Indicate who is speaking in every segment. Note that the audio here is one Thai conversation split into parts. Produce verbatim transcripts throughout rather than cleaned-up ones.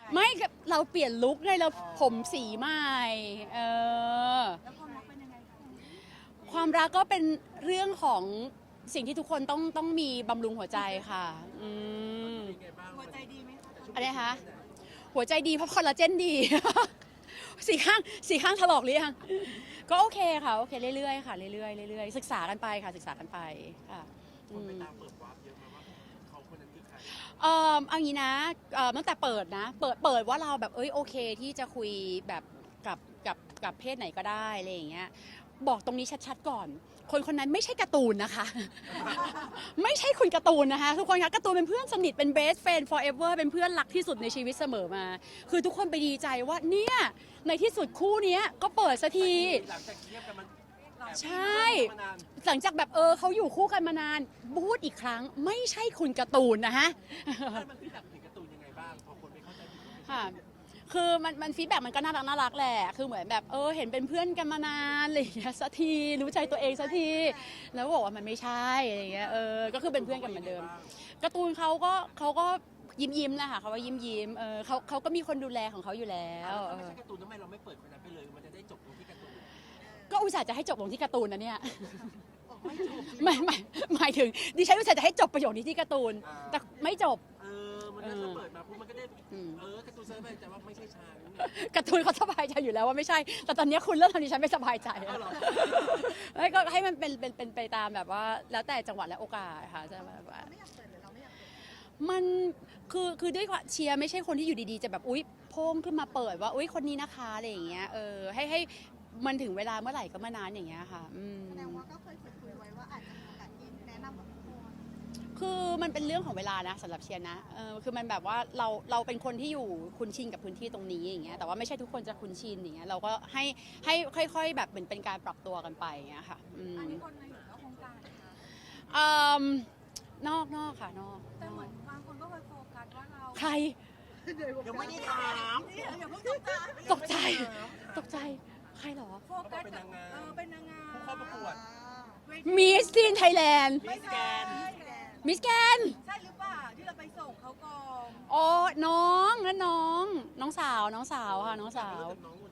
Speaker 1: ไม่เราเปลี่ยนลุคไงเราผมสีใหม่เออ
Speaker 2: แล้วความรักเป็นยังไงคะ
Speaker 1: ความรักก็เป็นเรื่องของสิ่งที่ทุกคนต้องต้องมีบำรุงหัวใจค่ะอืม
Speaker 2: หัวใจดีไหมคะ
Speaker 1: อะไรคะหัวใจดีเพราะคอลลาเจนดี สีข้างสีข้างถลอกหรือยังก็โอเคค่ะโอเคเรื่อยๆค่ะเรื่อยๆเรื่อยๆศึกษากันไปค่ะศึกษากันไปค่ะอืม เอ่อเอางี้นะเอ่อตั้งแต่เปิดนะเปิดเปิดว่าเราแบบเอ้ยโอเคที่จะคุยแบบกับกับกับเพศไหนก็ได้อะไรอย่างเงี้ยบอกตรงนี้ชัดๆก่อน คนคนนั้นไม่ใช่การ์ตูนนะคะ ไม่ใช่คุณการ์ตูนนะคะทุกคนคะการ์ตูนเป็นเพื่อนสนิทเป็น best friend forever เป็นเพื่อนรักที่สุดในชีวิตเสมอมา คือทุกคนไปดีใจว่าเนี่ยในที่สุดคู่เนี้ยก็เปิดสักที
Speaker 3: หลังจากเทียบกันมัน
Speaker 1: ใช่หลังจากแบบเออเขาอยู่คู่กันมานานพูดอีกครั้งไม่ใช่คุณการ์ตูนนะฮะ
Speaker 3: มันพี่แบบถึงการ์ตูนยังไงบ้างพอคนไม่เข้าใจผิด
Speaker 1: ค่ะคือมันมันฟีดแบ็กมันก็น่ารักน่ารักแหละคือเหมือนแบบเออเห็นเป็นเพื่อนกันมานานอะไรอย่างเงี้ยสักทีรู้ใจตัวเองสักทีแล้วบอกว่ามันไม่ใช่อะไรอย่างเงี้ยเออก็คือเป็นเพื่อนกันเหมือนเดิมการ์ตูนเขาก็เขาก็ยิ้มยิ้มแหละค่ะเขาว่ายิ้มยิ้มเออเขาเขาก็มีคนดูแลของเขาอยู่แล้ว
Speaker 3: ถ้าไม่ใช่การ์ตูนทำไมเราไม่เปิดคนนั้นไปเลยมันจะได้จบตรงที่การ์ตูน
Speaker 1: ก็อุตส่าห์จะให้จบลงที่การ์ตูนนะเนี่ยไม่ไม่หมายถึงดิฉันอุตส่าห์จะให้จบประโยคนี้ที่การ์ตูนแต่ไม่จบ
Speaker 3: เออมันถ้าเปิดมาปุ๊บมันก็ได้เออการ์ตูนเซิร์ฟไปแต่ว่าไม่ใช่ชาง
Speaker 1: การ์ตูนเขาสบายใจอยู่แล้วว่าไม่ใช่แต่ตอนนี้คุณเริ่มทำดิฉันไม่สบายใจแล้วก็ให้มันเป็นเป็นเป็นไปตามแบบว่าแล้วแต่จังหวะและโอกาสค่ะจะแบบว่ามันคือคือด้วยเชียร์ไม่ใช่คนที่อยู่ดีๆจะแบบอุ๊ยโพ่งขึ้นมาเปิดว่าอุ๊ยคนนี้นะคะอะไรอย่างเงี้ยเออให้ให้มันถึงเวลาเมื่อไหร่ก็เมื่อนานอย่างเงี้ยค่ะอืม
Speaker 2: แสดงว่าก็เคยคุยไว้ว่าอาจจะมีโอกาสที่แนะนำกับทุกคน
Speaker 1: คือมันเป็นเรื่องของเวลานะสำหรับเชียร์นะเออคือมันแบบว่าเราเราเป็นคนที่อยู่คุ้นชินกับพื้นที่ตรงนี้อย่างเงี้ยแต่ว่าไม่ใช่ทุกคนจะคุ้นชินอย่างเงี้ยเราก็ให้ให้ค่อยๆแบบเหมือนเป็นการปรับตัวกันไปอย่างเงี้ยค่ะ
Speaker 2: อันนี้คนในหรือนอกวงการนะคะ
Speaker 1: อืมนอกนอกค่ะนอก
Speaker 2: แต่เหมือนบางคนก็เคยโฟกัสว่าเรา
Speaker 1: ใคร
Speaker 3: ยังไม่ได้ถาม
Speaker 2: อย่าเพิ่งตกใจ
Speaker 1: ตกใจตกใจใครเหรอ
Speaker 2: โฟกัสเป็นนางงามเออเป็นนางงาม
Speaker 3: ผู้เข้าประกวด
Speaker 1: มิสซีนไทยแลนด์
Speaker 3: มิสแกน
Speaker 1: มิสแกน
Speaker 2: ใช่หรือเปล่าที่เราไปส่งเขากอง
Speaker 1: อ๋อน้องนั่นน้องน้องสาวน้องสาวค่ะน้องสาว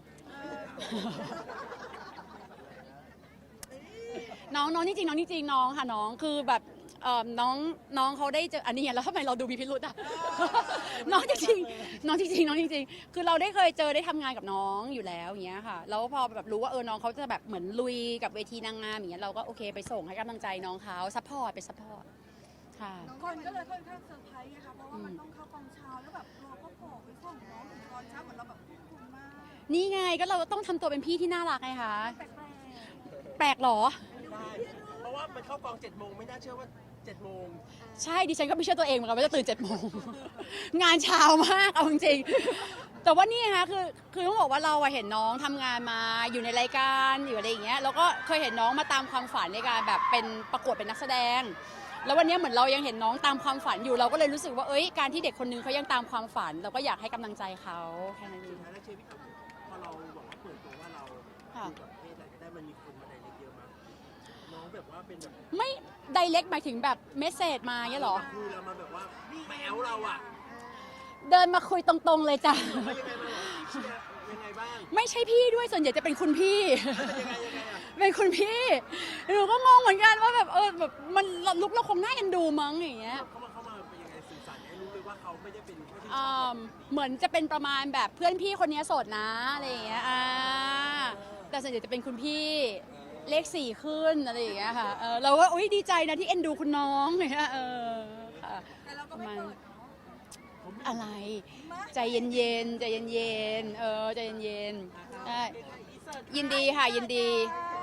Speaker 1: น้องน้องจริงๆน้องจริงๆน้องค่ะน้องคือแบบเอ่อน้องน้องเขาได้เจออันนี้ไงแล้วทำไมเราดูมีพิรุธอ่ะ น้องจริงๆน้องจริงๆน้องจริงๆคือเราได้เคยเจอได้ทำงานกับน้องอยู่แล้วอย่างเงี้ยค่ะแล้วพอแบบรู้ว่าเออน้องเขาจะแบบเหมือนลุยกับเวทีนางงามอย่างเงี้ยเราก็โอเคไปส่งให้กำลังใจน้องเขาซัพพอร์ตไปซัพพอร์ตค่ะ
Speaker 2: คนก็เลยค่อนข้างเซอร์ไพรส์ไงคะเพราะว่ามันต้องเข้ากองเช้าแล้วแบบเราก็โผล่ไปส่งน้องถึงตอนเช้าเหมือนเราแบบคุ้มมาก
Speaker 1: นี่ไงก็เราต้องทำตัวเป็นพี่ที่น่ารักไงคะ
Speaker 2: แปลก
Speaker 1: แปลกหรอ
Speaker 3: เพราะว่ามันเข้ากองเจ็ดโมงไม่น่าเชื่อว่าเจ็ดโมง
Speaker 1: ใช่ดิฉันก็ไม่เชื่อตัวเองเหมือนกันว่าจะตื่นเจ็ดโมงงานเช้ามากเอาจริงๆแต่ว่านี่ฮะคือคือต้องบอกว่าเราเห็นน้องทำงานมาอยู่ในรายการอยู่อะไรอย่างเงี้ยแล้วก็เคยเห็นน้องมาตามความฝันในการแบบเป็นประกวดเป็นนักแสดงแล้ววันนี้เหมือนเรายังเห็นน้องตามความฝันอยู่เราก็เลยรู้สึกว่าเอ้ยการที่เด็กคนนึงเขายังตามความฝันเราก็อยากให้กำลังใจเขาแค่นั้นเอง
Speaker 3: แล้วเชื่อพี่ถามพอเราบอกว่าเปิดตัวว่าเราอยู่กับเพศไหนก็ได้มันมีคนมาในเล็กเยอะมากน้องแบบว่าเป็นแบบ
Speaker 1: ไม่ไดเรกหมายถึงแบบเมสเซจมาเงี้ยหรอ
Speaker 3: คือเรามาแบบว่าแมวเราอ่ะ
Speaker 1: เดินมาคุยตรงๆเลยจ้ะ
Speaker 3: ยังไงบ้าง
Speaker 1: ไม่ใช่พี่ด้วยส่วนใหญ่จะเป็นคุณพี่เป็นคุณพี่หนูก็งงเหมือนกันว่าแบบเออแบบมันลุกเราคงน่าเอ็นดูมั้งอย่างเงี้ย
Speaker 3: เขามาเข้ามาเป็นยังไงสื่อสารให้รู้เลยว่าเขาไม่ได้เป็น
Speaker 1: เหมือนจะเป็นประมาณแบบเพื่อนพี่คนนี้โสดนะอะไรอย่างเงี้ยอ่าแต่ส่วนใหญ่จะเป็นคุณพี่เลขสี่ขึ้นอะไรอย่างเงี้ยค่ะเออเราก็อุ้ยดีใจนะที่เอ็นดูคุณน้องอย่างเงี้ยเออค่ะ
Speaker 2: แต่เราก็ไม่เปิด
Speaker 1: อะไรใจเย็นๆใจเย็นๆเออใจเย็นๆใช่ยินดีค่ะยินดี